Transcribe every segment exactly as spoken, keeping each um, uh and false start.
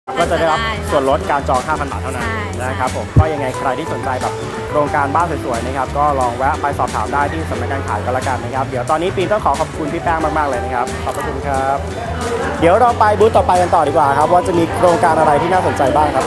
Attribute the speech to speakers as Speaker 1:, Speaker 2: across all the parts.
Speaker 1: ก็จะได้รับส่วนลดการจอง ห้าพัน บาทเท่านั้นนะครับผมก็ยังไงใครที่สนใจแบบโครงการบ้านสวยๆนะครับก็ลองแวะไปสอบถามได้ที่สำนักงานขายก็แล้วกันนะครับเดี๋ยวตอนนี้ปีนต้องขอขอบคุณพี่แป้งมากๆเลยนะครับขอบคุณครับเดี๋ยวเราไปบูธต่อไปกันต่อดีกว่าครับว่าจะมีโครงการอะไรที่น่าสนใจบ้างครับ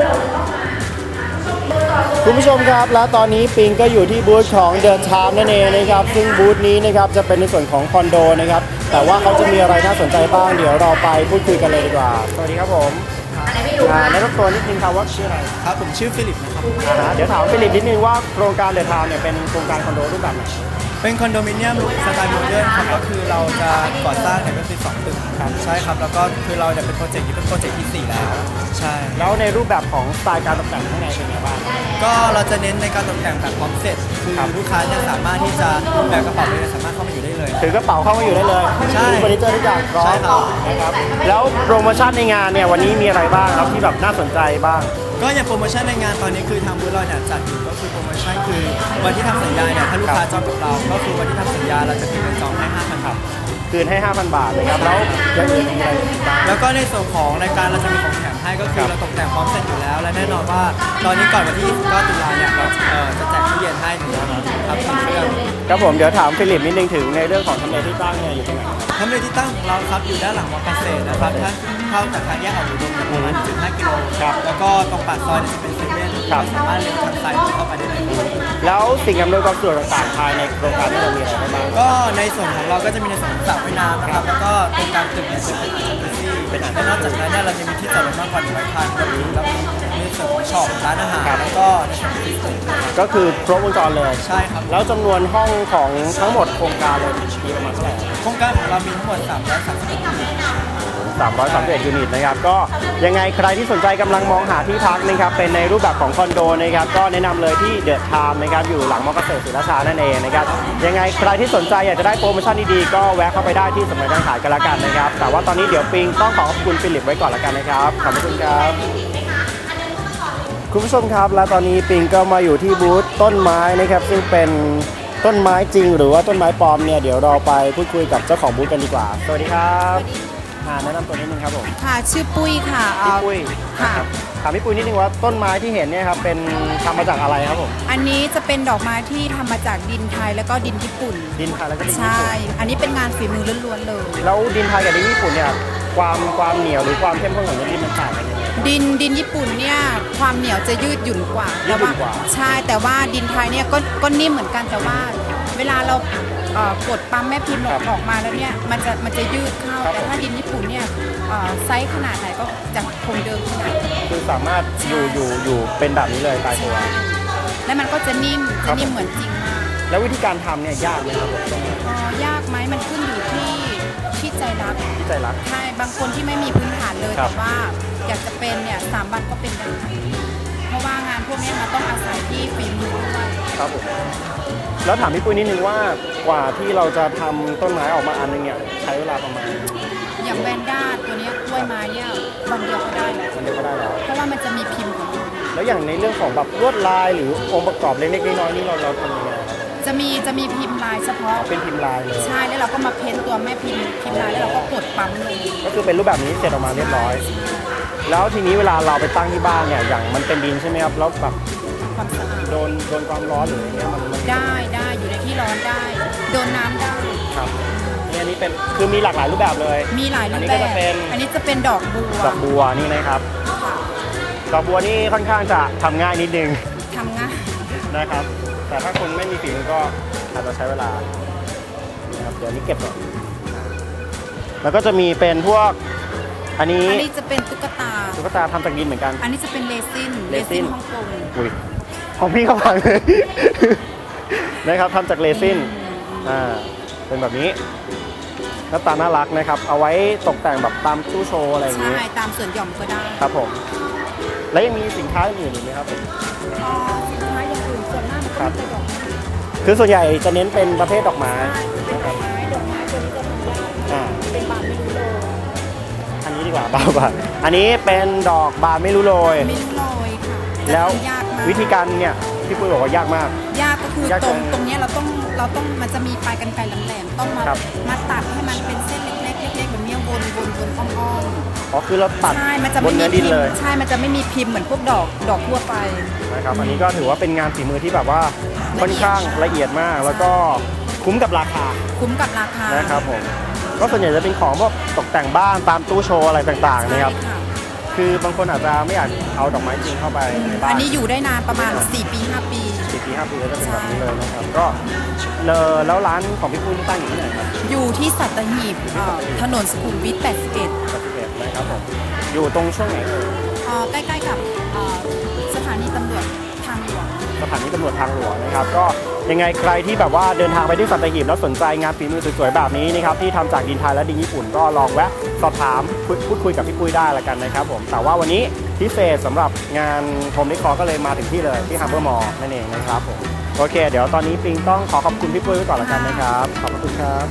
Speaker 1: คุณผู้ชมครับและตอนนี้ปิงก็อยู่ที่บูธของเดอะไทม์นั่นเองนะครับซึ่งบูธนี้นะครับจะเป็นในส่วนของคอนโดนะครับแต่ว่าเขาจะมีอะไรน่าสนใจบ้างเดี๋ยวเราไปพูดคุยกันเลยดีกว่าสวัสดีครับผมแนะนำตัวนิดนึงครับว่าชื่ออะไร
Speaker 2: ครับผมชื่อฟิลิปนะครับ
Speaker 1: เดี๋ยวถามฟิลิปนิดนึงว่าโครงการเดอะไทม์เนี่ยเป็นโครงการคอนโดรูปแบบไหน
Speaker 2: เป็นคอนโดมิเนียมสไตล์โมเดิร์นครับก็คือเราจะก่อสร้างเนี่ยก็คือสองตึกครับใช่ครับแล้วก็คือเราเนี่ยเป็นโปรเจกต์ที่เป็นโปรเจกต์ที่สี่แล้วใช่
Speaker 1: แล้วในรูปแบบของสไตล์การตกแต่งข้างในเป็นไงบ้าง
Speaker 2: ก็เราจะเน้นในการตกแต่งแบบพร้อมเสร็จคือลูกค้าเนี่ยสามารถที่จะแบกกระเป๋าเลยสามารถเข้ามาอยู่ได้เลย
Speaker 1: ถือกระเป๋าเข้ามาอยู่ได้เลย
Speaker 2: ใช่
Speaker 1: เฟอร์นิเจอร์ทุกอย่างพร้อมนะครับแล้วโปรโมชั่นในงานเนี่ยวันนี้มีอะไรบ้างครับที่แบบน่าสนใจบ้าง
Speaker 2: ก็อย่างโปรโมชั่นในงานตอนนี้คือทางบูธเราเนี่ยจัดอยู่ก็คือโปรโมชั่นคือวันที่ทำสัญญาเนี่ยถ้าลูกค้าจองกับเราก็คือวันที่ทำสัญญาเราจะคืนเงินจองให้ ห้าพัน บาท
Speaker 1: คืนให้ ห้าพัน บาทนะครับแล้วยังมีอะไรบ้าง
Speaker 2: แล้วก็ในส่วนของรายการเราจะมีของแถมให้ก็คือเราตกแต่งพร้อมเสร็จอยู่แล้วและแน่นอนว่าตอนนี้ก่อนวันที่ยี่สิบเก้าตุลาเนี่ยเราจะแจกตู้เย็นให้หนึ่งครับสองเครื่อง
Speaker 1: ครับผมเดี๋ยวถามฟิลิปนิดนึงถึงในเรื่องของทำเลที่ตั้งเนี่ยอยู่ตรงไหน
Speaker 2: ทำเลที่ตั้งของเราครับอยู่ด้านหลังมอเกษตรนะครับถ้าเข้าจากทางแยกออกอุดมประมาณ หนึ่งจุดห้า กิโลครับแล้วก็ตรงปากซอยจะเป็นเซเว่นสามารถเลี้ยวทางซ้ายเข้าไปได้เลย
Speaker 1: แล้วสิ่งอำนวยความสะดวกต่างๆภายในโครงการที่เรามีอะไรบ้าง
Speaker 2: ก็ในส่วนของเราก็จะมีในส่วนของสระว่ายน้ำนะครับแล้วก็ตรงกลางตึกเนี่ยจะเป็นอาคารที่เป็นอาคารนอกจากนั้นเนี่ยเราจะมีที่จอดรถมากกว่าหนึ่งร้อยคันรวมถึงเรามีในส่วนของช็อปร้านอาหารแล้วก็ในส่วนของฟิสเตอร์
Speaker 1: ก็คือครบวงจรเลย
Speaker 2: ใช่ครับ
Speaker 1: แล้วจำนวนห้องของทั้งหมดโครงการเลยมีประมาณเท่าไหร่
Speaker 2: โครงการของเรามีทั้งหมดสามร้อยสามสิบเอ็ดยูนิต
Speaker 1: สามร้อยสามสิบเอ็ดยูนิตนะครับก็ยังไงใครที่สนใจกำลังมองหาที่พักนะครับเป็นในรูปแบบของคอนโดนะครับก็แนะนำเลยที่เดอะไทม์นะครับอยู่หลังมอเกษตรศรีราชานั่นเองนะครับยังไงใครที่สนใจอยากจะได้โปรโมชั่นดีๆก็แวะเข้าไปได้ที่สำนักงานขายกันละกันนะครับแต่ว่าตอนนี้เดี๋ยวปิงต้องขอขอบคุณฟิลิปไว้ก่อนละกันนะครับขอบคุณครับคุณผู้ชมครับและตอนนี้ปิงก็มาอยู่ที่บูธต้นไม้นะครับซึ่งเป็นต้นไม้จริงหรือว่าต้นไม้ปลอมเนี่ยเดี๋ยวเราไปพูดคุยกับเจ้าของบูธกันดีกว่าสวัสดีครับแนะนำตัวนิดนึงครับผม
Speaker 3: ค่ะชื่อปุ้ยค่ะ
Speaker 1: พี่ปุ้ยค่ะถามพี่ปุ้ยนิดนึงว่าต้นไม้ที่เห็นเนี่ยครับเป็นทำมาจากอะไรครับผม
Speaker 3: อันนี้จะเป็นดอกไม้ที่ทำมาจากดินไทยแล้วก็ดินญี่ปุ่น
Speaker 1: ดินไทยแล้วก็ดินญี่ปุ่น
Speaker 3: ใช่อันนี้เป็นงานฝีมือล้วนๆเลย
Speaker 1: แล้วดินไทยกับดินญี่ปุ่นเนี่ยความความเหนียวหรือความเข้มข้นของดินมันต่างกันยังไง
Speaker 3: ดินดินญี่ปุ่นเนี่ยความเหนียวจะยืดหยุ่นกว่า
Speaker 1: ยืดหยุ่นกว่า
Speaker 3: ใช่แต่ว่าดินไทยเนี่ยก็ก็นิ่มเหมือนกันแต่ว่าเวลาเรากดปั๊มแม่พิมพ์ออกมาแล้วเนี่ยมันจะมันจะยืดเข้าแต่ถ้าดินญี่ปุ่นเนี่ยไซส์ขนาดไหนก็จะคงเดิมขนาด
Speaker 1: คือสามารถอยู่อยู่อยู่เป็นแบบนี้เลยตายตัว
Speaker 3: แล้วมันก็จะนิ่มจะนิ่มเหมือนจริงมาก
Speaker 1: แล้ววิธีการทำเนี่ยยากไหมครับ
Speaker 3: อ๋อยากไหมมันขึ้นอยู่ที่ที่ใจรัก
Speaker 1: ที่ใจรัก
Speaker 3: ใช่บางคนที่ไม่มีพื้นฐานเลยแต่ว่าอยากจะเป็นเนี่ยสามวันก็เป็นได้เพราะว่างานพวกนี้มันต้องอาศัยที่ฝีมือด้วย
Speaker 1: ครับผมแล้วถามพี่ปุ้ยนิดนึงว่ากว่าที่เราจะทำต้นไม้ออกมาอันนึงเนี่ยใช้เวลาประมาณ
Speaker 3: อย่างแวนด้าตัวนี้กล้วยไม้เนี่ยวันเดียวก็ได้แล้ว
Speaker 1: วันเดียวก็ได้แล้ว
Speaker 3: เพราะว่ามันจะมีพิมพ์ของมัน
Speaker 1: แล้วอย่างในเรื่องของแบบลวดลายหรือองค์ประกอบเล็กๆน้อยๆนี่เราเราทำยังไง
Speaker 3: จะมีจะมีพิมพ์ลายเฉพาะ
Speaker 1: เป็นพิมพ์ลายเลย
Speaker 3: ใช่แล้วเราก็มาเพ้นตัวแม่พิมพ์พิมพ์ลายแล้วเราก็กดปั๊มเลย
Speaker 1: ก็คือเป็นรูปแบบนี้เสร็จออกมาเรียบร้อยแล้วทีนี้เวลาเราไปตั้งที่บ้านเนี่ยอย่างมันเป็นดินใช่ไหมครับแล้วแบบ
Speaker 3: ความสะอาด
Speaker 1: โดนโดนความร้อนหรืออะไรเงี้ยมัน
Speaker 3: ได้ได้อยู่ในที่ร้อนได้โดนน้ำได้
Speaker 1: ครับนี่อันนี้เป็นคือมีหลากหลายรูปแบบเลย
Speaker 3: มีหลายรูปแบบอันนี้จะเป็นดอกบัว
Speaker 1: ดอกบัวนี่นะครับดอกบัวนี่ค่อนข้างจะทำง่ายนิดนึง
Speaker 3: ทำง่าย
Speaker 1: นะครับแต่ถ้าคนไม่มีฝีมือก็อาจจะใช้เวลานะครับเดี๋ยวนี้เก็บก่อนแล้วก็จะมีเป็นพวกอันนี้
Speaker 3: อันนี้จะเป็นตุ๊กตา
Speaker 1: ตุ๊กตาทำจากดินเหมือนกัน
Speaker 3: อันนี้จะเป็นเรซิน
Speaker 1: เรซิน
Speaker 3: ฮ่องกง
Speaker 1: อุ้ยของพี่เขาพังเลยนะครับทำจากเรซินอ่าเป็นแบบนี้หน้าตาน่ารักนะครับเอาไว้ตกแต่งแบบตามตู้โชว์อะไรอย่างนี้
Speaker 3: ใช่ตามส่วนหย่อมก็ได้
Speaker 1: ครับผมแล้วยังมีสินค้าอื่นอีกไหมครับ
Speaker 3: อ๋อสินค้าอย่างอื่นส่วนมากมันก็จะดอกไม้
Speaker 1: คือส่วนใหญ่จะเน้นเป็นประเภทดอกไม้
Speaker 3: ดอกไม้ดอกไม้ตัวนี้จะทำได้เป็นบานไม่รู้โรย
Speaker 1: อันนี้ดีกว่าบ้าบ้าอันนี้เป็นดอกบานไม่รู้โรย
Speaker 3: ไม่รู้โรยค่ะ
Speaker 1: แล้ววิธีการเนี่ยพี่ปุ้ยบอกว่ายากมาก
Speaker 3: ยากก็คือตรงตรงนี้เราต้องเราต้องมันจะมีปลายกรรไกรแหลมๆต้องมามาตัดให้มันเป็นเส้นเล็กๆเล็กๆแบบนี้วนวนวนอ้อม
Speaker 1: อ๋อคือเราตัด
Speaker 3: ๆใช่มันจะ
Speaker 1: บ
Speaker 3: ไม่
Speaker 1: น
Speaker 3: มี
Speaker 1: เนื้อดิ
Speaker 3: พิ
Speaker 1: น
Speaker 3: ม
Speaker 1: เลย
Speaker 3: พ์ใช่มันจะไม่มีพิมพ์เหมือนพวกดอกดอกทั่วไป
Speaker 1: นะครับอันนี้ก็ถือว่าเป็นงานฝีมือที่แบบว่าค่อนข้างละเอียดมาก แล้วก็คุ้มกับราคา
Speaker 3: คุ้มกับราคา
Speaker 1: นะครับผมก็ส่วนใหญ่จะเป็นของพวกตกแต่งบ้านตามตู้โชว์อะไรต่างๆนะครับ
Speaker 3: ใช่ค่ะ
Speaker 1: คือบางคนอาจจะไม่อยากเอาดอกไม้จริงเข้าไปในบ้า
Speaker 3: อั
Speaker 1: น
Speaker 3: นนี้อยู่ได้นานประมาณ สี่ ปี ห้า ปี
Speaker 1: สี่ปีห้าปีก็จะเป็นแบบนี้เลยนะครับก็เลอแล้วร้านของพี่ปุ้ยนี่ตั้งอยู่ที่ไหนครับ
Speaker 3: อยู่ที่สัตหีบเอ่อถนนสุขุมวิท แปดสิบเอ็ด
Speaker 1: ปฏิเสธนะครับผมอยู่ตรงช่วงไหนเอ่ย
Speaker 3: เอ่อใกล้ๆกับเอ่อสถานีตำรวจทางหลวง
Speaker 1: สถานีตำรวจทางหลวงนะครับก็ยังไงใครที่แบบว่าเดินทางไปที่สัตหีบแล้วสนใจงานฝีมือสวยๆแบบนี้นะครับที่ทำจากดินไทยและดินญี่ปุ่นก็ลองแวะสอบถามพูดพูดคุยกับพี่ปุ้ยได้ละกันนะครับผมแต่ว่าวันนี้พิเศษสำหรับงานโฮมเดคอร์ก็เลยมาถึงที่เลยที่ฮาร์เบอร์มอลล์นั่นเองนะครับผมโอเค เดี๋ยวตอนนี้ปิงต้องขอขอบคุณพี่ปุ้ยไว้ก่อนละกันนะครับขอบคุณครับ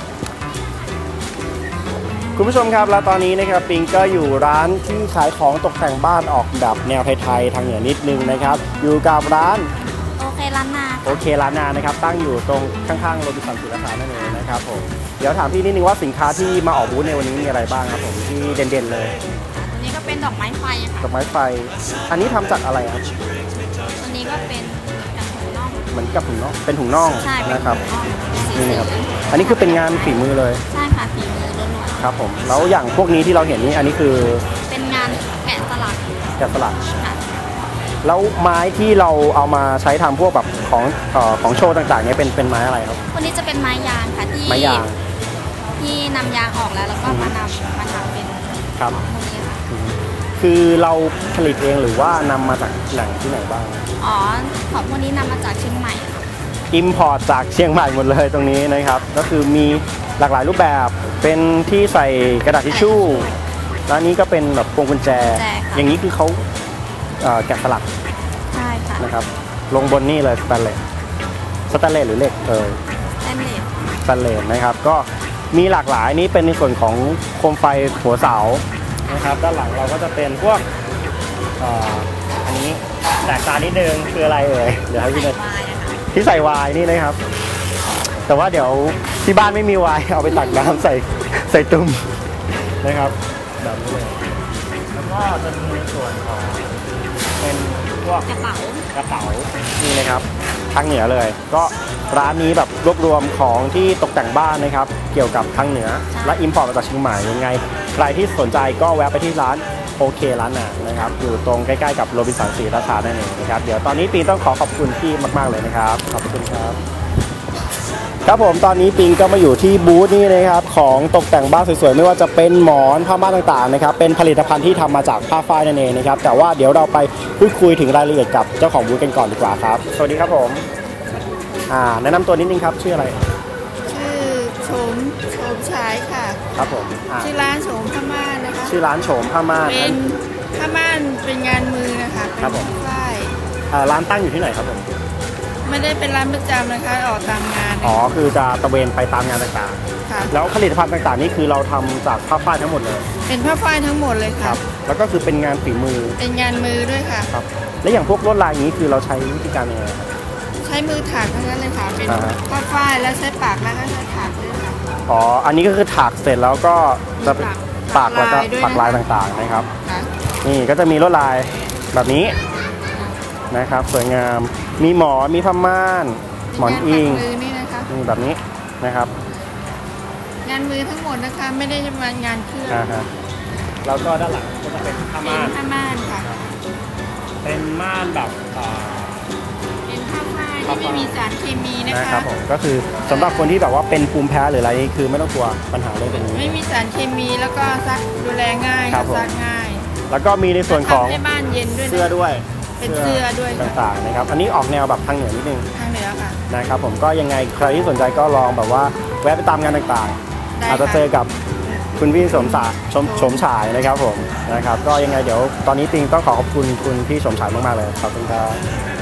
Speaker 1: คุณผู้ชมครับแล้วตอนนี้นะครับปิงก็อยู่ร้านที่ขายของตกแต่งบ้านออกแบบแนวไทยๆทางเหนือนิดนึงนะครับอยู่กับร้าน
Speaker 4: โอเคล้านนา
Speaker 1: โอเคร้านนานะครับตั้งอยู่ตรงข้างๆโรบินสันศิลปานั่นเองนะครับผมเดี๋ยวถามพี่นิดนึงว่าสินค้าที่มาออกบูธในวันนี้มีอะไรบ้างครับผมที่เด่นๆเลย
Speaker 4: ตัวนี้ก็เป็นดอกไม้ไฟอะค่ะ
Speaker 1: ดอกไม้ไฟ อันนี้ทำจากอะไรครับ
Speaker 4: ตัวนี้ก็เป็นกับถุงน่อง
Speaker 1: เหมือนกับถุงน่องเป็นถุงน่อง
Speaker 4: ใช่เป็น
Speaker 1: นะครับ
Speaker 4: ถุงน่องสี
Speaker 1: นี่
Speaker 4: สี
Speaker 1: นะครับอันนี้คือเป็นงานฝีมือเลย
Speaker 4: ใช่ค่ะฝีมือล้วน
Speaker 1: ครับผมแล้วอย่างพวกนี้ที่เราเห็นนี่อันนี้คือ
Speaker 4: ๆเป็นงานแกะสลัก
Speaker 1: แกะสลัก
Speaker 4: ค่ะ
Speaker 1: แล้วไม้ที่เราเอามาใช้ทำพวกแบบของเอ่อของโชว์ต่างๆเนี่ยเป็นเป็นไม้อะไรครับ
Speaker 4: ตัวนี้จะเป็นไม้ยางค่ะที่
Speaker 1: ไม้ยาง
Speaker 4: ที่นำยางออกแล้วแล้วก็มานำมาทำเป็น
Speaker 1: ครับ
Speaker 4: พวกนี้ค่ะ
Speaker 1: คือเราผลิตเองหรือว่านำมาจากแหล่งที่ไหนบ้าง
Speaker 4: อ๋อของพวกนี้นำมาจากเชียงใหม่ค่ะ
Speaker 1: อิมพอร์ตจากเชียงใหม่หมดเลยตรงนี้นะครับ ก็คือมีหลากหลายรูปแบบเป็นที่ใส่กระดาษทิชชู่แล้วอันนี้ก็เป็นแบบพวงกุญแจ อย่างนี้คือเขาเอ่อแกะสลัก
Speaker 4: ใช่ค่ะ
Speaker 1: นะครับลงบนนี่เลยสแตนเลสสแตนเลสหรือเหล็กเออ
Speaker 4: เต้นเลส
Speaker 1: สแตนเลสนะครับก็มีหลากหลายนี่เป็นในส่วนของโคมไฟหัวเสานะครับด้านหลังเราก็จะเป็นพวกเอ่ออันนี้แตกต่างนิดนึงคืออะไรเอ่ยเดี๋ยวให้พี่เนย
Speaker 4: วายนะคะ
Speaker 1: ที่ใส่ไวายนี่นะครับ แต่ว่าเดี๋ยวที่บ้านไม่มีไวน์เอาไปตักน้ำใส่ใส่ตุ่มนะครับแบบนี้เลยแล้วก็จะมีในส่วนของเป็นพวก
Speaker 4: กระเป๋าก
Speaker 1: ระเป๋านี่นะครับทางเหนือเลย ก็ร้านนี้แบบรวบรวมของที่ตกแต่งบ้านนะครับ เกี่ยวกับทางเหนือและอิมพอร์ตมาจากเชียงใหม่ยังไงใครที่สนใจก็แวะไปที่ร้านโอเคร้านนานะครับอยู่ตรงใกล้ๆกับโรบินสันศรีราชานั่นเองนะครับเดี๋ยวตอนนี้ปีต้องขอขอบคุณพี่มากๆเลยนะครับขอบคุณครับ ครับผมตอนนี้ปิงก็มาอยู่ที่บูธนี่นะครับของตกแต่งบ้านสวยๆไม่ว่าจะเป็นหมอนผ้าม่านต่างๆนะครับเป็นผลิตภัณฑ์ที่ทำมาจากผ้าฝ้ายนั่นเองนะครับแต่ว่าเดี๋ยวเราไปพูดคุยถึงรายละเอียดกับเจ้าของบูธกันก่อนดีกว่าครับสวัสดีครับผมอ่าแนะนำตัวนิดนึงครับชื่ออะไร
Speaker 5: ชื่อโฉมโฉมฉายค่ะ
Speaker 1: ครับผมอ่า
Speaker 5: ชื่อร้านโฉมผ้าม่านนะคะ
Speaker 1: ชื่อร้านโฉมผ้าม่าน
Speaker 5: เป็นผ้าม่านเป็นงานมือนะคะ
Speaker 1: ครับผม
Speaker 5: เป็นฝ้าย
Speaker 1: อ่าร้านตั้งอยู่ที่ไหนครับผม
Speaker 5: ไม่ได้เป็นร้านประจำนะคะออกตามงาน
Speaker 1: อ๋อคือจะตะเวนไปตามงานต่าง
Speaker 5: ค่ะ
Speaker 1: ๆ แล้วผลิตภัณฑ์ต่างๆนี่คือเราทำจากผ้าฝ้ายทั้งหมดเลย
Speaker 5: เป็นผ้าฝ้ายทั้งหมดเลย
Speaker 1: ค
Speaker 5: ค่ะ
Speaker 1: รับแล้วก็คือเป็นงานฝีมือ
Speaker 5: เป็นงานมือด้วยค่ะ
Speaker 1: ครับและอย่างพวกลวดลายอย่างนี้คือเราใช้วิธีการยังไงครับ
Speaker 5: ใช้มือถากทั้งนั้นเลยค่ะ เป็น
Speaker 1: อ่าฮะ
Speaker 5: ผ้าฝ้ายแล้วใช้ปากแล้วก็ใช้ถากด้วยค่ะ
Speaker 1: อ๋อ อันนี้ก็คือถากเสร็จแล้วก็จะเป็น
Speaker 5: ปั
Speaker 1: ปาก
Speaker 5: ก
Speaker 1: แล้วก็
Speaker 5: ลายด้วย
Speaker 1: ปักลาย
Speaker 5: นะคะ
Speaker 1: ต่างๆนะครับ
Speaker 5: ค่ะ
Speaker 1: นี่ก็จะมีลวดลายแบบนี้นะครับ สวยงาม มีหมอน มีผ้าม่าน หมอนอิง
Speaker 5: งานปักมือนี่นะคะ
Speaker 1: นี่แบบนี้นะครับ
Speaker 5: งานมือทั้งหมดนะคะ ไม่ได้จะมางานเครื่อง
Speaker 1: อ่าฮะแล้วก็ด้านหลังก็จะเป็นผ้า
Speaker 5: เป็
Speaker 1: ม่าน น
Speaker 5: ผ้าม่านค่ะ
Speaker 1: เป็นม่านแบบอ่า
Speaker 5: เป็นผ้าฝ้ายที่ไม่มีสารเคมีนะ
Speaker 1: นะค
Speaker 5: คะ
Speaker 1: รับผม ก็คือสำหรับคนที่แบบว่าเป็นภูมิแพ้หรืออะไรนี่คือไม่ต้องกลัวปัญหาเรื่องตรงนี้
Speaker 5: ไม่มีสารเคมีแล้วก็ซักดูแลง่าย
Speaker 1: ครับผม
Speaker 5: ซักง่าย
Speaker 1: แล้วก็มีในส่วนของ
Speaker 5: ทำให้บ้านเย็นด้วยนะ
Speaker 1: เสื้อด้วย
Speaker 5: เป็นเสื้อด้วยค่ะ
Speaker 1: ต่างๆนะครับ อันนี้ออกแนวแบบทางเหนือนิดนึง
Speaker 5: ทางเหนือค่ะ
Speaker 1: นะครับผมก็ยังไงใครที่สนใจก็ลองแบบว่าแวะไปตามงานต่าง
Speaker 5: ได้
Speaker 1: ๆ อาจจะ
Speaker 5: ค่ะ
Speaker 1: เจอกับคุณพี่สมศาชมชมฉายนะครับผมนะครับก็ยังไงเดี๋ยวตอนนี้ปิงต้องขอขอบคุณคุณพี่สมฉายมากๆเลยขอบคุณครับ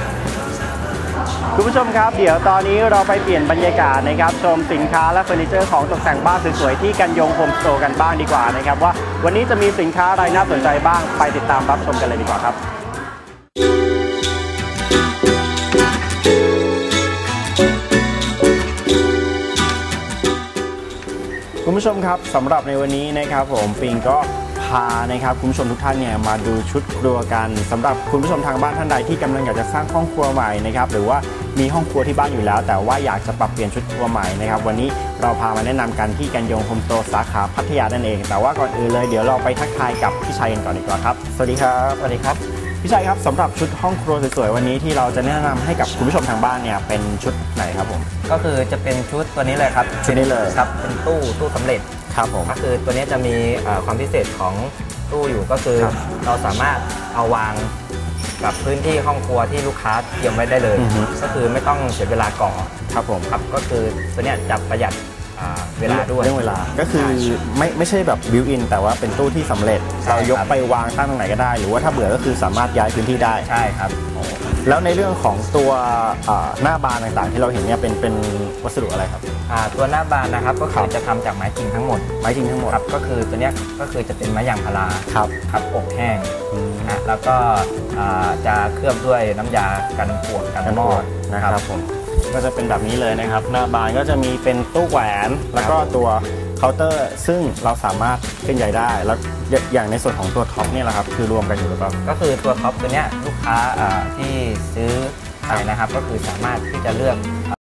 Speaker 1: คุณผู้ชมครับเดี๋ยวตอนนี้เราไปเปลี่ยนบรรยากาศนะครับชมสินค้าและเฟอร์นิเจอร์ของตกแต่งบ้านสวยๆที่กันยงโฮมสโตร์กันบ้างดีกว่านะครับว่าวันนี้จะมีสินค้าอะไรน่าสนใจบ้างไปติดตามรับชมกันเลยดีกว่าครับ คุณผู้ผู้ชมครับสำหรับในวันนี้นะครับผมปิงก็พานะครับคุณผู้ชมทุกท่านเนี่ยมาดูชุดครัวกันสำหรับคุณผู้ชมทางบ้านท่านใดที่กำลังอยากจะสร้างห้องครัวใหม่นะครับหรือว่ามีห้องครัวที่บ้านอยู่แล้วแต่ว่าอยากจะปรับเปลี่ยนชุดครัวใหม่นะครับวันนี้เราพามาแนะนำกันที่กันยงโฮมสโตร์สาขาพัทยานั่นเองแต่ว่าก่อนอื่นเลยเดี๋ยวเราไปทักทายกับพี่ชัยกันก่อนดีกว่าครับสวัสดีครับสวัสดีครับพี่ชัยครับสำหรับชุดห้องครัวสวยๆวันนี้ที่เราจะแนะนำให้กับคุณผู้ชมทางบ้านเนี่ยเป็นชุดไหนครับผม
Speaker 6: ก็คือจะเป็นชุดตัวนี้เลยครับ
Speaker 1: ชุดนี้เลย
Speaker 6: ครับเป็นตู้ตู้สำเร็จ
Speaker 1: ครับผม
Speaker 6: ก็คือตัวนี้จะมีเอ่อความพิเศษของตู้อยู่ก็คือ
Speaker 1: ครับ
Speaker 6: เราสามารถเอาวางกับพื้นที่ห้องครัวที่ลูกค้าเตรียมไว้ได้เลย
Speaker 1: อือฮึ
Speaker 6: ก็คือไม่ต้องเสียเวลาก่อ
Speaker 1: ครับผม
Speaker 6: ครับก็คือตัวเนี้ยจะประหยัดอ่าเวลาด้วย
Speaker 1: เรื่องเวลาก็คือไม่ไม่ใช่แบบบิวอินแต่ว่าเป็นตู้ที่สำเร็จ
Speaker 6: ใช่
Speaker 1: เรายก
Speaker 6: ครับ
Speaker 1: ไปวางตั้งตรงไหนก็ได้ หรือว่าถ้าเบื่อก็คือสามารถย้ายพื้นที่ได้
Speaker 6: ใช่ครับ
Speaker 1: แล้วในเรื่องของตัวอ่าหน้าบานต่างๆ ที่เราเห็นเนี่ยเป็นเป็นวัสดุอะไรครับ
Speaker 6: อ่าตัวหน้าบานนะครับก็
Speaker 1: ครั
Speaker 6: คือบ จะทำจากไม้จริงทั้งหมด
Speaker 1: ไม้จริงทั้งหมด
Speaker 6: ครับก็คือตัวเนี้ยก็คือจะเป็นไม้ยางพารา
Speaker 1: ครับ
Speaker 6: ครับอบแห้ง
Speaker 1: อืม
Speaker 6: นะฮะแล้วก็อ่าจะเคลือบด้วยน้ำยากันปวกกันมอด
Speaker 1: นะครับผมก็จะเป็นแบบนี้เลยนะครับ หน้าบานก็จะมีเป็นตู้แหวนแล้วก็ตัวเคาน์เตอร์ ซึ่งเราสามารถเคลื่อนย้ายได้ แล้วอย่างในส่วนของตัวท็อปเนี่ยแหละครับคือรวมกันอยู่หรือเปล่า
Speaker 6: ก็คือตัวท็อปตัวเนี้ยลูกค้าอ่าที่ซื้อไปนะครับก็คือสามารถที่จะเลือก